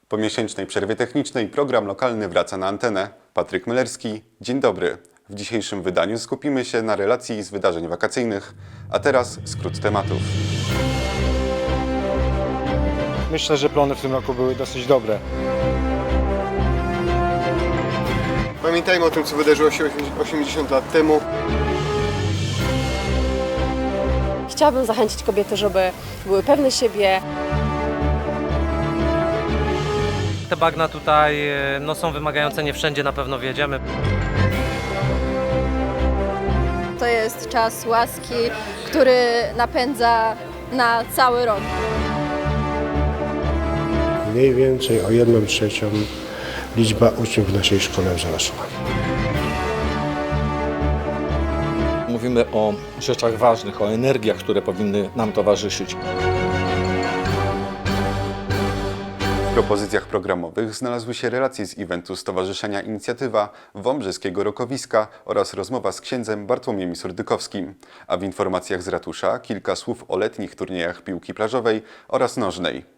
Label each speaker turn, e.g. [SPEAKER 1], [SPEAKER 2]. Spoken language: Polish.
[SPEAKER 1] Po miesięcznej przerwie technicznej program lokalny wraca na antenę. Patryk Mylerski, dzień dobry. W dzisiejszym wydaniu skupimy się na relacji z wydarzeń wakacyjnych, a teraz skrót tematów.
[SPEAKER 2] Myślę, że plony w tym roku były dosyć dobre.
[SPEAKER 3] Pamiętajmy o tym, co wydarzyło się 80 lat temu.
[SPEAKER 4] Chciałabym zachęcić kobiety, żeby były pewne siebie.
[SPEAKER 5] Te bagna tutaj są wymagające, nie wszędzie na pewno wjedziemy.
[SPEAKER 6] To jest czas łaski, który napędza na cały rok.
[SPEAKER 7] Mniej więcej o 1/3 liczba uczniów w naszej szkole wzrosła.
[SPEAKER 8] Mówimy o rzeczach ważnych, o energiach, które powinny nam towarzyszyć.
[SPEAKER 1] W propozycjach programowych znalazły się relacje z eventu Stowarzyszenia Inicjatywa Wąbrzeskiego Rokowiska oraz rozmowa z księdzem Bartłomiem Surdykowskim, a w informacjach z ratusza kilka słów o letnich turniejach piłki plażowej oraz nożnej.